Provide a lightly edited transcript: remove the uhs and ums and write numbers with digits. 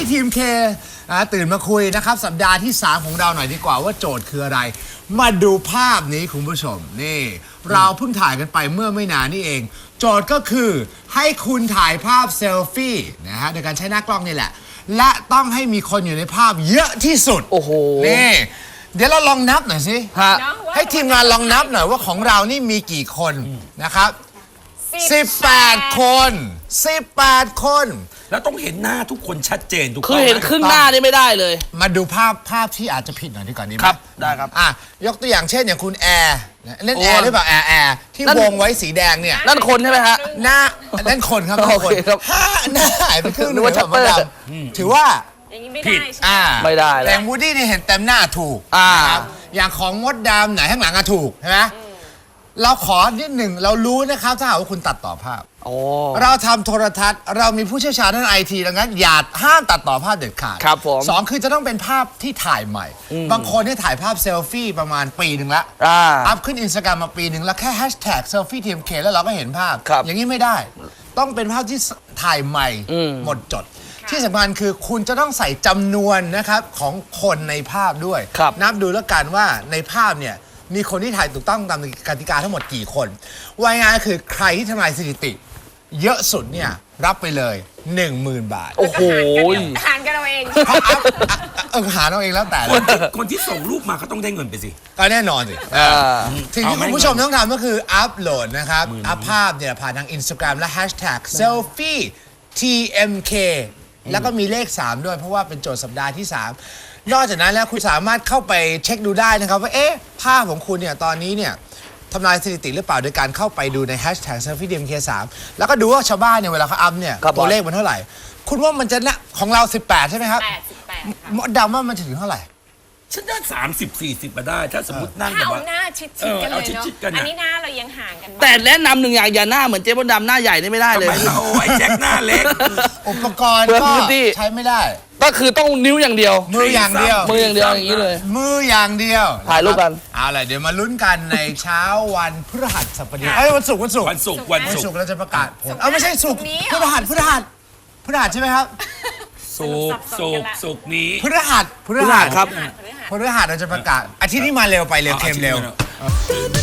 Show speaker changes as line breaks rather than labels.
ทีมเคตื่นมาคุยนะครับสัปดาห์ที่ 3 ของเราหน่อยดีกว่าว่าโจทย์คืออะไร มาดูภาพนี้คุณผู้ชมนี่เราเพิ่งถ่ายกันไปเมื่อไม่นานนี่เอง โจทย์ก็คือให้คุณถ่ายภาพเซลฟี่นะฮะโดยการใช้หน้ากล้องนี่แหละและต้องให้มีคนอยู่ในภาพเยอะที่สุด
โอ้โห
นี่เดี๋ยวเราลองนับหน่อยสิ
ฮะ
ให้ทีมงานลองนับหน่อยว่าของเรานี่มีกี่คนนะครับ18 คน18 คน
แล้วต้องเห็นหน้าทุกคนชัดเจนทุก
คือเห็นครึ่งหน้านี่ไม่ได้เลย
มาดูภาพที่อาจจะผิดหน่อยดีกว่านี้ไหม
ครับได้ครับ
ยกตัวอย่างเช่นอย่างคุณแอร์เล่นแอร์หรือเปล่าแอร์ที่
นั่น
วงไว้สีแดงเนี่ย
นั่นคนใช่ไหมฮะ
หน้านั่นคนครับ
โอเคครับ
หน้าหายไปครึ่งห
นึ
นึ
ก
ง
ว่า
ครับ
ชัปเปอร์
มดดำถือว่า
อย่างนี้ไม่ได้ใช่ไหม
ไม่ได้แล้ว
แต่วูดดี้นี่เห็นเต็มหน้าถูก
อ่า
นะครับอย่างของมดดำไหนข้างหลังอะถูกใช่ไหมเราขอนิดหนึ่งเรารู้นะครับถ้าหากว่าคุณตัดต่อภาพ
โอ้
เราทำโทรทัศน์เรามีผู้เชี่ยวชาญด้านไอทีดังนั้นอย่าห้ามตัดต่อภาพเด็ดขาด
ครับผม
สองคือจะต้องเป็นภาพที่ถ่ายใหม่ บางคนที่ถ่ายภาพเซลฟี่ประมาณปีหนึ่งละ อัพขึ้นอินสตาแกรมมาปีหนึ่งแล้วแค่แฮชแท็กเซลฟี่ทีมเคแล้วเราก็เห็นภาพ
ครับ
อย่างนี้ไม่ได้ ต้องเป็นภาพที่ถ่ายใหม่หมดจด ที่สำคัญคือคุณจะต้องใส่จำนวนนะครับของคนในภาพด้วย
ครับ
นับดูแล้วกันว่าในภาพเนี่ยมีคนที่ถ่ายถูกต้องตามกติกาทั้งหมดกี่คนว่ายง่ายๆคือใครที่ทำลายสถิติ เยอะสุดเนี่ยรับไปเลย 10,000 บาท
โอ้โห
หารกันเอาเอง
เพราะหาเอาเองแล้วแต่
คนที่ส่งรูปมาก็ต้องได้เงินไปสิ
ก็แน่นอนสิสิ่งที่คุณผู้ชมต้องทำก็คืออัพโหลดนะครับ อัพภาพเนี่ยผ่านทาง Instagram และ Hashtag Selfie TMK แล้วก็มีเลข 3 ด้วยเพราะว่าเป็นโจทย์สัปดาห์ที่ 3 นอกจากนั้นแล้วคุณสามารถเข้าไปเช็คดูได้นะครับว่าภาพของคุณเนี่ยตอนนี้เนี่ยทำลายสถิติหรือเปล่าโดยการเข้าไปดูใน Hashtag Selfie TMK3 แล้วก็ดูว่าชาวบ้านเนี่ยเวลาเขาอัพเนี่ย
ครับ
ตัวเลขมันเท่าไหร่ คุณว่ามันจะนะของเรา 18 ใช่ไหมครับ
88
มดดำว่ามันจะถึงเท่าไหร่
ฉันได้30-40มาได้ ถ้าสมมตินั่ง
ถ้า
แบบ
เอา
ว่า
หน้าชิดๆกันเลย
เอา
เนาะ
ชิดๆกันน่ะ
อันนี้หน้าเรายังห่างกันมาก
แต่แนะนำหนึ่งอย่างอย่าหน้าเหมือนเจ๊มดดำหน้าใหญ่นี่ไม่ได้
ทำ
เลย
ไมเราไอ้แจ็คหน้าเล็ก
อุปกรณ์
เปลือง
ก็
พื้นที่
ใช้ไม่ได้
ก็คือต้องนิ้วอย่างเดียว
มืออย่างเดียว
มืออย่างเดียวอย่างนี้เลย
มืออย่างเดียว
ถ่ายรูปกัน
เอาล่ะเดี๋ยวมาลุ้นกันในเช้าวันพฤหัสบดีวันศุกร์วันศุกร์
วันศุกร์
วันศุกร์เราจะประกาศผลไม่ใช่ศุกร์พฤหัสใช่ไหมครับ
ศุกร์นี้
พฤหัส
ครับ
พฤหัสเราจะประกาศอาทิตย์นี้มาเร็วไปเร็วเค็มเร็ว
อาทิตย์นี้